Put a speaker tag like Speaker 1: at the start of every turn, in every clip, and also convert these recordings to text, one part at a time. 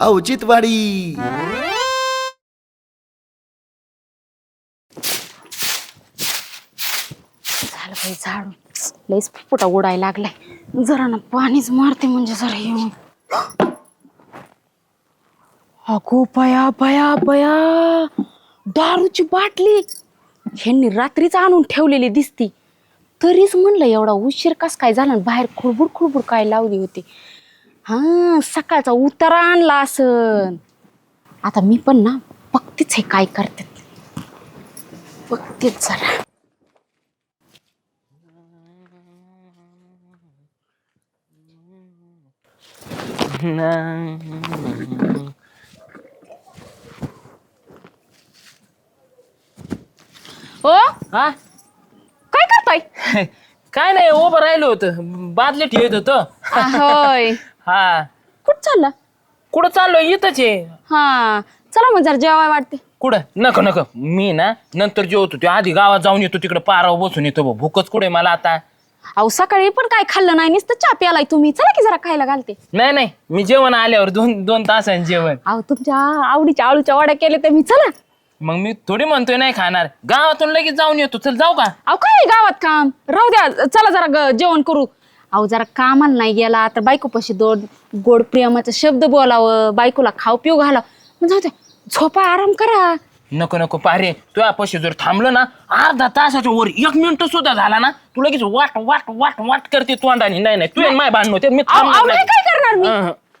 Speaker 1: औचित्यवाडी.
Speaker 2: झालं बाई झाडून लईच फुटा उडायला लागलाय. जरा ना पाणीच मारते म्हणजे जरा येऊन. अगो बया बया बया, दारूची बाटली ह्यांनी रात्रीच आणून ठेवलेली दिसती. तरीच म्हणलं एवढा उशीर कस काय झाला. बाहेर खुडबुड खुडबुड काय लावली होती. हा, सकाळचा उतारा आणला असन. आता मी पण ना बघतेच हे काय करतात. बघतेच जरा. ओ
Speaker 3: हा
Speaker 2: काय करताय?
Speaker 3: काय नाही, उभं राहिलो होतं, बादली ठेवत होतो.
Speaker 2: होय.
Speaker 3: हा,
Speaker 2: कुठं चालला?
Speaker 3: कुठं चाललोय? इथंच आहे.
Speaker 2: हा, चला मग जरा जेवाय वाटते.
Speaker 3: कुठं? नको नको, मी ना नंतर जेवतो. ते आधी गावात जाऊन येतो, तिकडे पारावर बसून येतो. भूकच कुठे मला आता.
Speaker 2: अहो सकाळी पण काय खाल्लं नाही, नुसतं चहा प्यालाय तुम्ही. चला की जरा खायला घालते.
Speaker 3: नाही नाही, मी जेवण आल्यावर दोन तासांनी जेवण.
Speaker 2: अहो तुमच्या आवडीच्या आळूच्या वड्या केल्या तर मी चला.
Speaker 3: मग मी थोडी म्हणतोय नाही खाणार. गावातून लगेच जाऊन येतो. चल जाऊ का?
Speaker 2: अहो काय गावात काम, राहू द्या. चला जरा जेवण करू. अहो जरा कामाला नाही गेला तर बायकोपाशी दोन गोड प्रेमाचा शब्द बोलावं, बायकोला खाऊ पिऊ घालावं. मग जाऊ द्या, झोपा आराम करा.
Speaker 3: नको नको पारे, तुझ्या पैसे जर थांबलं ना अर्धा तासाच्या वर 1 मिनिट सुद्धा झाला ना, तू लगेच वाट वाट वाट वाट करते तोंडाने. नाही नाही, तू माय भांडण होते. मी
Speaker 2: अहो
Speaker 3: थांबणार
Speaker 2: नाही,
Speaker 3: नाही.
Speaker 2: काय करणार मी?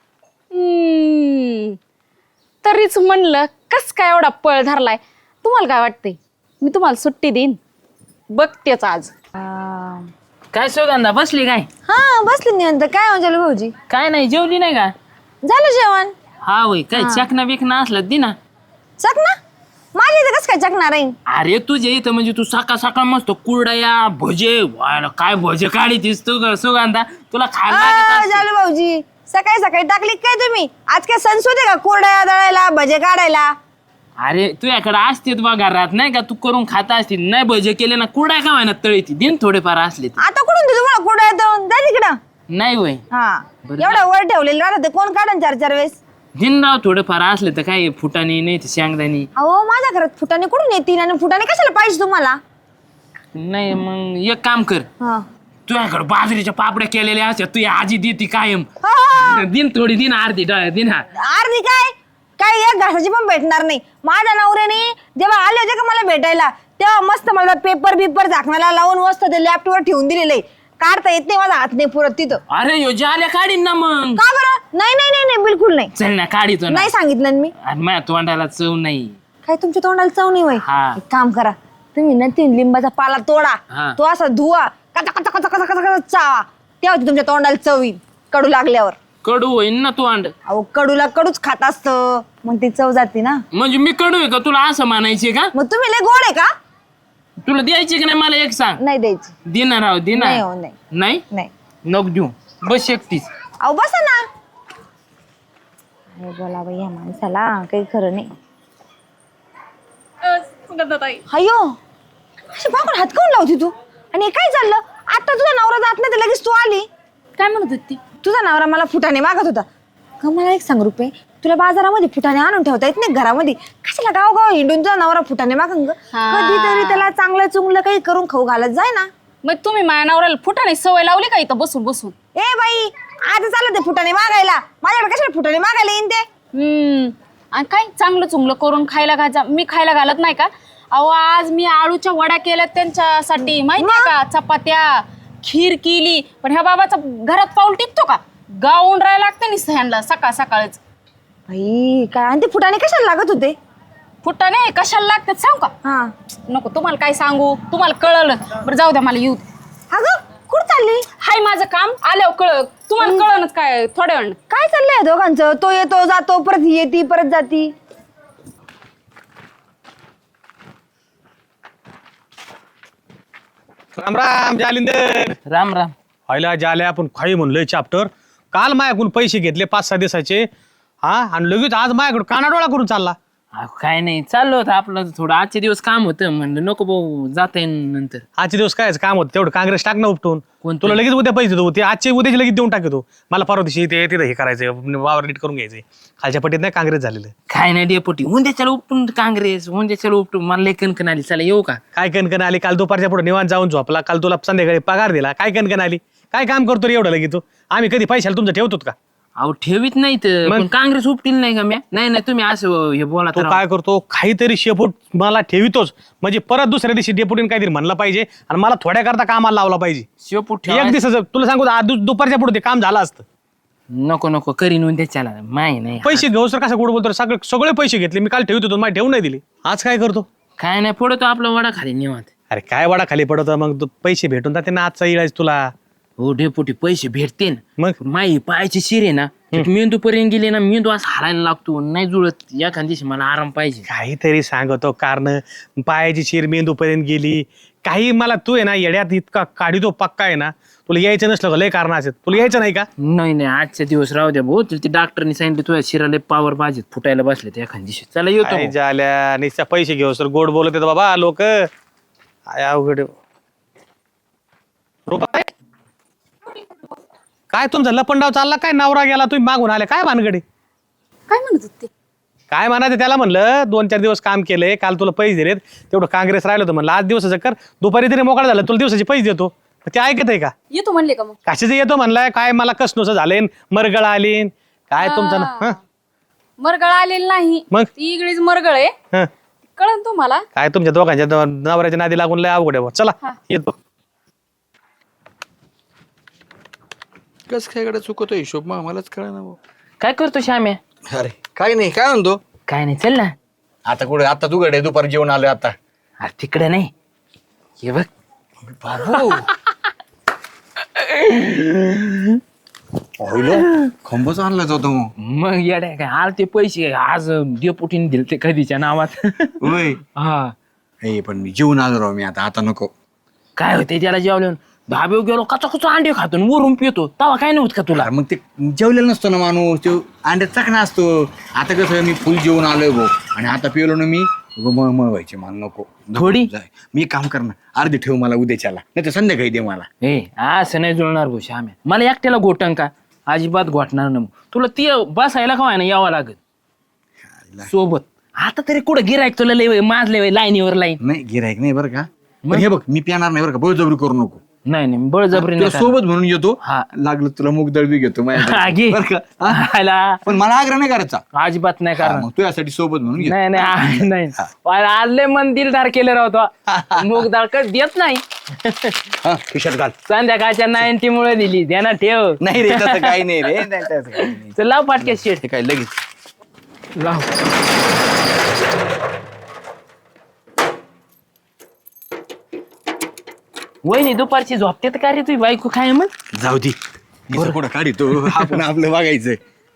Speaker 2: तरीच म्हणलं कस काय एवढा पळ धरलाय. तुम्हाला काय वाटतंय? मी तुम्हाला सुट्टी देईन, बघतेच आज.
Speaker 3: काय सुगंधा बसली काय?
Speaker 4: हा बसले निवंत. काय म्हणजे भाऊजी?
Speaker 3: काय नाही, जेवली नाही का?
Speaker 4: झालं जेवण?
Speaker 3: हा होय. काय चकना बिकना असलं दे ना.
Speaker 4: चकना? माझ्या इथं कसं काय चकणार आहे?
Speaker 3: अरे तुझे इथं म्हणजे तू सकाळ सकाळ मस्त कुरडया भजे, व्हायला काय भजे काढीतीस तू सुगंधा. तुला खायला लागत असतं.
Speaker 4: झालं भाऊजी, सकाळी सकाळी टाकली काय तुम्ही? आज काय संस्कृत आहे का कुरड्या दळायला, भजे काढायला?
Speaker 3: अरे तुझ्याकडे असतेच बा घरात, नाही का? तू करून खाता असतील. नाही भजे केले ना, कुरड्या का व्हायना तळीती दिन थोडेफार असले तर.
Speaker 4: आता कुठून देऊ तुम्हाला कुरड्या दळून? जा तिकडं.
Speaker 3: नाही होय.
Speaker 4: हा,
Speaker 3: बरं
Speaker 4: एवढं वर ठेवलेलं राहतं ते कोण काढन 4-4 वेळेस?
Speaker 3: दिन राव थोडेफार असले तर काय फुटाने नाही तर शेंगदाणी.
Speaker 4: अहो माझ्या घरात फुटाने कुठून येतील आणि फुटाने कशाला पाहिजे तुम्हाला?
Speaker 3: नाही मग एक काम कर,
Speaker 4: हा.
Speaker 3: तुझ्याकडे बाजरीच्या पापड्या केलेल्या असतात, तू आजी देती कायम.
Speaker 4: हा.
Speaker 3: दिन थोडी दिन अर्धी दिन. हा
Speaker 4: अर्धी काय काय एक घासाची पण भेटणार नाही. माझ्या नवऱ्याने जेव्हा आले होते का मला भेटायला, तेव्हा मस्त मला पेपर बिपर झाकणाला लावून मस्त ते लॅपटॉपवर ठेवून दिलेले. काढता येत नाही, माझा हात नाही पुरत तिथं.
Speaker 3: अरे यो जाल्या काढीन ना मग.
Speaker 4: का बरं? नाही नाही नाही नाही, बिलकुल नाही.
Speaker 3: चल ना काढीतो ना.
Speaker 4: नाही सांगितलं ना मी.
Speaker 3: आणि माझ्या तोंडाला चव नाही.
Speaker 4: काय तुमच्या तोंडाला चव नाही वय?
Speaker 3: हा.
Speaker 4: एक काम करा, तुम्ही ना 3 लिंबाचा पाला तोडा,
Speaker 3: हा.
Speaker 4: तो असा धुवा, कचा कचा कचा कचा कचा कचा चावा, तेव्हा ती तुमच्या तोंडाला चव येईल. कडू लागल्यावर.
Speaker 3: कडू होईन ना तोंड.
Speaker 4: अहो कडूला कडूच खात असतं, मग ती चव जाते ना.
Speaker 3: म्हणजे मी कडू आहे का तुला असं म्हणायचे का?
Speaker 4: मग तुम्ही लय गोड आहे का?
Speaker 3: तुला द्यायची की नाही मला एक सांग.
Speaker 4: नाही द्यायची.
Speaker 3: देणार राव
Speaker 4: नाही
Speaker 3: देणार.
Speaker 4: हो, नाही
Speaker 3: नाही
Speaker 4: नाही.
Speaker 3: नको देऊ, बस एकटीच.
Speaker 4: अहो बसा ना. अरे बोला बाई, या माणसाला काही खरं नाही. अयो, अशी बाबा हात काऊन लावती तू? आणि हे काय चाललं? आता तुझा नवरा जात नाही तर लगेच तू आली.
Speaker 2: काय म्हणत होती?
Speaker 4: तुझा नवरा मला फुटाणे मागत होता. का मला एक सांग रुपये, तुला बाजारामध्ये फुटाणे आणून ठेवता येत नाही घरामध्ये? कशाला गाव हिंडून तुझा नवरा फुटाणे मागन ग? कधीतरी त्याला चांगलं चुंगलं काही करून खाऊ घालत जाय ना.
Speaker 2: मग तुम्ही माझ्या नवऱ्याला फुटाने सवय लावली का इथं बसून बसून?
Speaker 4: ए बाई, आज चाललं ते फुटाणे मागायला. माझ्याकडे कशाला फुटाणे मागायला येईन ते?
Speaker 2: आणि काय चांगलं चुंगलं करून खायला घाजा, मी खायला घालत नाही का? अहो आज मी आळूच्या वड्या केल्या त्यांच्यासाठी, माहितीये का? चपात्या, खीर केली. पण ह्या बाबाचा घरात पाऊल टिकतो का? गाऊन राहायला लागतं नि ह्यांना सकाळ सकाळच.
Speaker 4: बाई काय, आणि ते फुटाणे कशाला लागत होते?
Speaker 2: फुटाणे कशाला लागतात सांगू का?
Speaker 4: हा.
Speaker 2: नको, तुम्हाला काय सांगू, तुम्हाला कळलं. बरं जाऊ द्या, मला येऊ दे.
Speaker 4: अगं कुठं चालली?
Speaker 2: हाय माझं काम, आल्यावर कळ. तुम्हाला कळणच काय थोड्या वेळ.
Speaker 4: काय चाललंय दोघांचं? तो येतो जातो, परत येते परत जाती.
Speaker 5: राम राम जालिंदर.
Speaker 3: राम राम.
Speaker 5: व्हायला जाले आपण काही म्हणलोय चॅप्टर. काल माझ्याकडून पैसे घेतले 5-6 दिवसाचे. हा, आणि लगेच आज माझ्याकडे कानाडोळा करून चालला.
Speaker 3: काय नाही चाललो होतं आपलं थोडं आजचे दिवस काम होतं म्हणलं नको भाऊ जाता येईल नंतर.
Speaker 5: आजचे दिवस काय काम होतं तेवढं काँग्रेस टाक ना उपटून.
Speaker 3: कोणतं?
Speaker 5: तुला लगेच उद्या पैसे देतो ते आजचे उद्याचे लगेच देऊन टाकतो. मला परवा दिवशी ते तिथं हे करायचं वावर नीट करून घ्यायचं. खालच्या पट्टीत नाही काँग्रेस झालेलं.
Speaker 3: काय नाही डेपोटी उद्याच्याला उपटून काँग्रेस उद्याच्याला उपटून मला लय कणकण आली चला येऊ का.
Speaker 5: काय कणकण आली काल दुपारच्या पुढे निवांत जाऊन झोपला. काल तुला संध्याकाळी पगार दिला. काय कणकण आली. काय काम करतो रे एवढं लगेच तू. आम्ही कधी पैशाला तुमचं ठेवतो का.
Speaker 3: अहो ठेवीत नाही तर पण काँग्रेस उपटील नाही का म्या नाही नाही तुम्ही असं हे बोला
Speaker 5: तो
Speaker 3: तर
Speaker 5: काय करतो काहीतरी शेपूट मला ठेवितोच म्हणजे परत दुसऱ्या दिवशी डेपुटीने काहीतरी म्हणलं पाहिजे आणि मला थोड्या करता कामाला लावला पाहिजे.
Speaker 3: शेपूट
Speaker 5: एक दिवसाचं तुला सांगू दुपारच्या पुढे ते काम झालं असतं.
Speaker 3: नको नको करीन उद्याच्याला माही नाही.
Speaker 5: पैसे घेऊ सर कसं गोड बोलतो सगळे पैसे घेतले मी काल ठेवत होतो मला ठेवून नाही दिले. आज काय करतो.
Speaker 3: काय नाही पडतो आपला वडा खाली निवांत.
Speaker 5: अरे काय वाडा खाली पडत मग तू पैसे भेटून जाते ना आजचा इलाज तुला.
Speaker 3: हो डेपोटी पैसे भेटते ना
Speaker 5: मग
Speaker 3: माई पायाची शिरे ना मेंदू पर्यंत गेले ना मेंदू असं हारायला लागतो नाही जुळत एखाद दिवशी मला आराम पाहिजे.
Speaker 5: काहीतरी सांगतो कारण पायाची शिर मेंदू पर्यंत गेली काही मला तू आहे ना येड्यात इतका काढितो पक्का आहे ना तुला यायचं नसलं का लय कारण असेल तुला यायचं नाही का.
Speaker 3: नाही नाही आजच्या दिवस राहू द्या भाऊ ते डॉक्टरनी सांगितलं तुझ्या शिराला पावर पाहिजे फुटायला बसले ते एखाद दिवशी चला येतो
Speaker 5: काय झाल्या नुसत्या पैसे घेऊ सर गोड बोलत येतो बाबा लोक अवघड. रुपाबाई, काय तुमचा लपंडाव चालला काय नवरा गेला तुम्ही मागून आले काय भानगडी.
Speaker 2: काय म्हणत होते.
Speaker 5: काय म्हणायचं त्याला म्हणलं 2-4 दिवस काम केलंय काल तुला पैसे दिलेत तेवढं काँग्रेस राहिलं होतं म्हणलं आज दिवसाचं कर दुपारी तरी मोकळा झालं तुला दिवसाचे पैसे देतो. ते ऐकत आहे का.
Speaker 2: येतो म्हणले का मग.
Speaker 5: कशाचं येतो म्हणलाय काय मला कसनोचं झालंय मरगळ आली काय तुमचं ना हं?
Speaker 2: मरगळ आलेलं नाही
Speaker 5: मग?
Speaker 2: ती इकडेच मरगळ आहे
Speaker 5: हं.
Speaker 2: कळन तुम्हाला.
Speaker 5: काय तुमच्या दोघांच्या नवऱ्याच्या नादी लागून लय अवघड आहे बुवा. चला येतो.
Speaker 1: कस काय कडे चुकतो हिशोब मग आम्हालाच कळा ना भाऊ.
Speaker 3: काय करतो श्याम्या.
Speaker 1: अरे काय नाही काय म्हणतो
Speaker 3: काय नाही चल ना.
Speaker 1: आता कुठे आता तू कडे दुपारी जेवण आलोय आता.
Speaker 3: अरे तिकडे नाही हे बघ
Speaker 1: बाबू खंबच आणलाच होता मग.
Speaker 3: मग येड्या काय आल ते पैसे आज डेपुटीने दिले ते कधीच्या नावात.
Speaker 1: होय
Speaker 3: हा
Speaker 1: हे पण मी जेवण आलो राव मी आता नको.
Speaker 3: काय होते त्याला जेवलं धाबे गेलो कचा कचा अंडे खातो आणि वरून पितो तवा काय नव्हत का तुला.
Speaker 1: अरे मग ते जेवलेलं नसतो ना माणूस तो अंड्यात चकना असतो. आता कसं मी फुल जेवण आलोय भाऊ आणि आता पिलो ना मी मळ व्हायचे मला नको
Speaker 3: थोडी?
Speaker 1: जाय. मी एक काम कर ना अर्धी ठेव मला उद्याच्याला नाही तर संध्याकाळी दे मला.
Speaker 3: ए असं नाही जुळणार भाऊ श्याम्या मला एकट्याला घोटन का अजिबात घोटणार ना तुला ती बसायला का ना यावं लागत सोबत. आता तरी कुठं गिरायक तुला लय माजले लाईनीवर लाईन.
Speaker 1: नाही गिरायक नाही बरं का पण हे बघ मी पिणार नाही बरं का बळजबरी करू नको.
Speaker 3: नाही नाही बळजबरी
Speaker 1: तुला
Speaker 3: नाही
Speaker 1: सोबत म्हणून येतो
Speaker 3: हा.
Speaker 1: लागलं तुला मुग दळबी घेतो
Speaker 3: हा, घे.
Speaker 1: बरं का हा?
Speaker 3: खायला.
Speaker 1: पण मला आग्रह नाही करायचा.
Speaker 3: अजिबात नाही
Speaker 1: हा,
Speaker 3: कारण
Speaker 1: मग तू यासाठी सोबत म्हणून घे.
Speaker 3: नाही नाही नाही आज लय मन दिलदार केलं राहतो मूग डाळ कधी देत नाही.
Speaker 1: हा, खिशात घाल.
Speaker 3: संध्याकाळच्या 90 मुळे दिली ध्यानात ठेव.
Speaker 1: नाही रे तसं काही नाही रे नाही, तसं काही नाही.
Speaker 3: चल लाव पाटक्या शेट
Speaker 1: हे काय लगेच
Speaker 3: लाव. वहिनी दुपारची झोपते का रे तुझी बायको काय मग.
Speaker 1: जाऊ दे कुठं काढतो आपण आपलं बघायचं.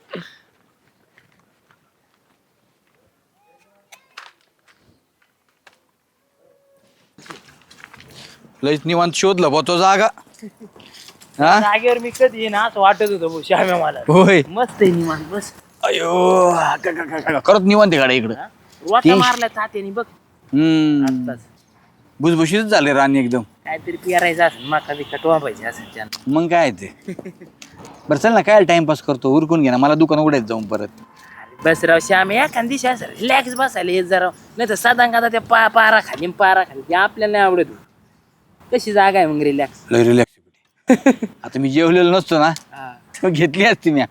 Speaker 1: लयच निवांत शोधलं बा तो जागा. हा
Speaker 3: जागेवर मी कधी येईन असं वाटत होतं भाऊ श्याम्या मला.
Speaker 1: होय
Speaker 3: मस्त आहे निवांत बस.
Speaker 1: अयो करत निवांत गाड्या इकडं.
Speaker 3: वाटा मारल्या तात्याने बघ आत्ताच.
Speaker 1: भुसभुशीत झाले राणी एकदम.
Speaker 3: काहीतरी पिरायचं असेल मका बिका टोपायचे असेल त्यानं.
Speaker 1: मग काय ते बरं चल ना काय टाइमपास करतो उरकून घे ना मला दुकान उघडायचं जाऊन परत.
Speaker 3: बस राव श्याम्या एखाद दिवशी असं रिलॅक्स बसायला येत जरा नाही तर साधा का त्या पारा खाली ते आपल्याला नाही आवडत. कशी जागा आहे मग रिलॅक्स.
Speaker 1: लय रिलॅक्स आता मी जेवलेलो नसतो ना तर घेतली असती मी.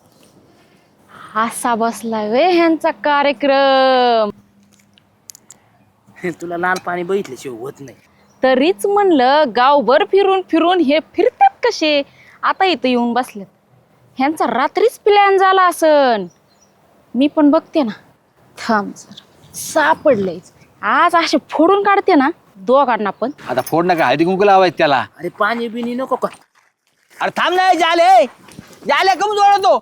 Speaker 2: असा बसलाय वे ह्यांचा कार्यक्रम.
Speaker 3: तुला लाल पाणी बघितल्याशिवाय होत नाही.
Speaker 2: तरीच म्हणलं गावभर फिरून फिरून हे फिरतात कसे आता इथं येऊन बसलेत. ह्यांचा रात्रीच प्लॅन झाला असन. मी पण बघते ना थांब जरा सापडलंयच आज असे फोडून काढते ना दोघांना पण.
Speaker 1: आता फोड नका हळदी कुंकू लावायचं त्याला.
Speaker 3: अरे पाणी बिनी नको का.
Speaker 1: अरे थांब नाही झाले झाले कम जोडतो.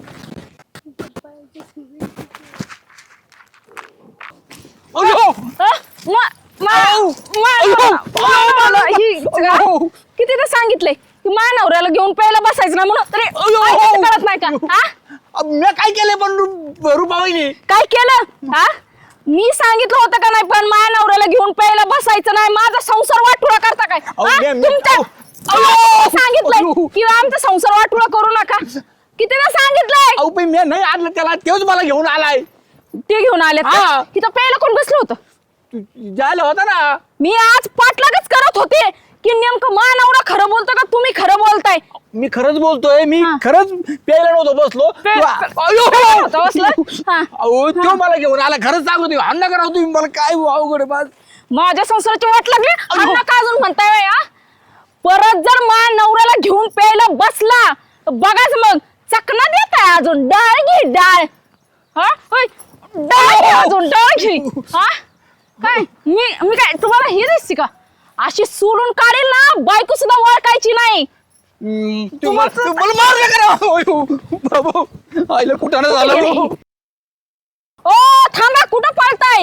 Speaker 2: किती सांगितलंय की मानवऱ्याला घेऊन प्यायला बसायचं ना म्हणून तरी कळत नाही का. हा
Speaker 1: मी काय केलंय पण रुपाबाईने
Speaker 2: काय केलं. हा मी सांगितलं होतं का नाही पण माझ्या नवऱ्याला घेऊन प्यायला बसायचं नाही, माझा संसार वाटुळा करता काय? हा? सांगितलंय की आमचा संसार वाटुळा करू नका, कितीदा सांगितलंय.
Speaker 1: अहो पण मी नाही आणलं त्याला, तेच मला घेऊन आलाय.
Speaker 2: ते घेऊन आले तिथं प्यायला कोण बसलं होतं?
Speaker 1: जायला होता ना.
Speaker 2: मी आज पाठलागच करत होते की नेमकं मा नवरा खरं बोलतो का तुम्ही खरं बोलताय.
Speaker 1: मी खरंच बोलतोय, मी खरंच प्यायला नव्हतो बसलो.
Speaker 2: होतं बसलं? हा.
Speaker 1: अहो तो मला घेऊन आला, खरंच सांगतो. अन्न करा तुम्ही, मला काय अवघड आहे.
Speaker 2: माझ्या संसाराची वाट लागली अन्न का अजून म्हणताय बाई, हा? परत जर मा नवऱ्याला घेऊन प्यायला बसला तर बघाच मग चकना देताय अजून. डाळ घे डाळ. हा होय, डाळ घे अजून, डाळ घे. हा काय मी काय तुम्हाला हे दिसते का? अशी सोडून काढेल ना, बायको सुद्धा ओळखायची नाही.
Speaker 1: मला मारलं करा बाबू, आईला कुठं झालं.
Speaker 2: ओ थांबा, कुठं पळताय?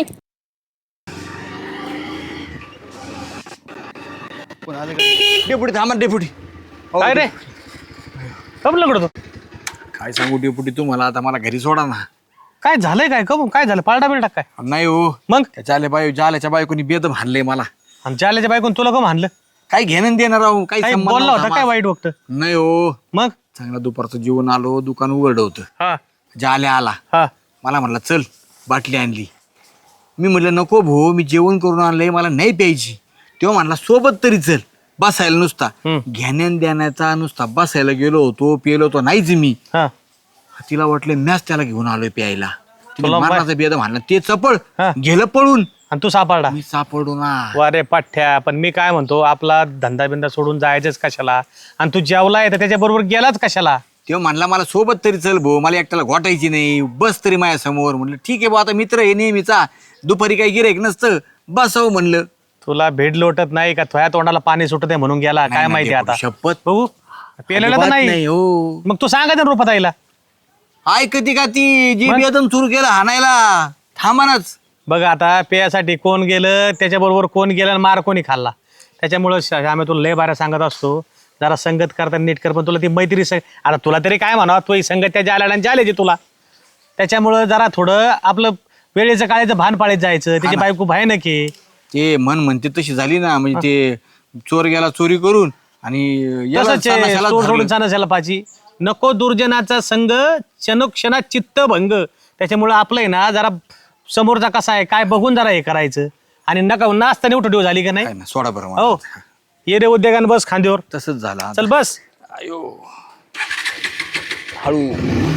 Speaker 1: डेपुटी थांबा, डेपुटी.
Speaker 5: काय रे कमलं कडतो?
Speaker 1: काय सांगू डेपुटी तुम्हाला, आता मला घरी सोडा ना.
Speaker 5: काय झालंय? काय कम काय झालं? पालटा बिलटा काय?
Speaker 1: नाही हो,
Speaker 5: मग
Speaker 1: जाल्याच्या बायकोनी बेदम हाणलंय मला.
Speaker 5: आमच्या आल्याच्या बायकोन तुला कम आणलं?
Speaker 1: काय घेणं देणार राहू, काही
Speaker 5: काही
Speaker 1: संबंध
Speaker 5: बोलला
Speaker 1: नव्हता
Speaker 5: होता काय
Speaker 1: माझा.
Speaker 5: वाईट वक्त?
Speaker 1: नाही हो,
Speaker 5: मग
Speaker 1: चांगला दुपारचं जेवण आलो, दुकान उघडं होतं.
Speaker 5: हा
Speaker 1: जाल्या आला,
Speaker 5: हा
Speaker 1: मला म्हणला चल बाटली आणली. मी म्हटलं नको भाऊ, मी जेवण करून आणलंय, मला नाही प्यायची. तेव्हा म्हणला सोबत तरी चल बसायला. नुसता घेण्यान देण्याचा नुसता बसायला गेलो होतो, पेलो होतो नाहीच मी.
Speaker 5: हा
Speaker 1: तिला वाटलं मॅच त्याला घेऊन आलोय प्यायला. तिने
Speaker 5: तुला
Speaker 1: मरणाचा बेद म्हणला, ते चपळ
Speaker 5: हा.
Speaker 1: गेलं पळून.
Speaker 5: आणि तू सापडला?
Speaker 1: मी सापडू ना.
Speaker 5: वारे पाठ्या, पण मी काय म्हणतो, आपला धंदा बिंदा सोडून जायचंच कशाला? आणि तू जेवलाय तर त्याच्या बरोबर गेलाच कशाला?
Speaker 1: तेव्हा म्हणला मला सोबत तरी चल भाऊ, मला एकट्याला घोटायची नाही, बस तरी माझ्या समोर. म्हणलं ठीक आहे भाऊ, आता मित्र हे नेहमीचा, दुपारी काही गिऱ्हाईक नसतं, बसावं म्हणलं.
Speaker 5: तुला भेड लोटत नाही का? तुझ्या तोंडाला पाणी सुटत आहे म्हणून गेला? काय
Speaker 1: नाही,
Speaker 5: माहिती
Speaker 1: नाही,
Speaker 5: आता.
Speaker 1: शपथ.
Speaker 5: बघू पेलेला तर
Speaker 1: अजिबात
Speaker 5: नाही.
Speaker 1: हो.
Speaker 5: मग तू सांगा ना रुपात आईला.
Speaker 1: ऐकती का ती, जी बेदम सुरू केलं हाणायला, थांबानाच.
Speaker 5: बघ आता पेयासाठी कोण गेलं, त्याच्याबरोबर कोण गेलं आणि मार कोणी खाल्ला. त्याच्यामुळं आम्ही तुला लय बाऱ्या सांगत असतो, जरा संगत करता नीट कर. पण तुला ती मैत्री आता तुला तरी काय म्हणावं, तो संगत त्या जाल्याला आल्याची तुला. त्याच्यामुळं जरा थोडं आपलं वेळेचं काळाचं भान पाळीत जायचं. त्याची बायको भयानक आहे.
Speaker 1: ते मन म्हणते तशी झाली ना, म्हणजे ते चोर गेला चोरी करून आणि याला
Speaker 5: तसंच आहे,
Speaker 1: सानाशाला
Speaker 5: चोर
Speaker 1: धरलं.
Speaker 5: सोडून नसायला पाहिजे. नको दुर्जनाचा संग, क्षणोक्षणात चित्त भंग. त्याच्यामुळं आपलं आहे ना, जरा समोरचा कसा आहे काय बघून जरा हे करायचं. आणि नका नाचताना उठं ठेव झाली का नाही?
Speaker 1: काय ना, सोडा बरं मला.
Speaker 5: हो ये रे उद्योगानं बस खांद्यावर.
Speaker 1: तसंच झालं.
Speaker 5: चल बस.
Speaker 1: हळू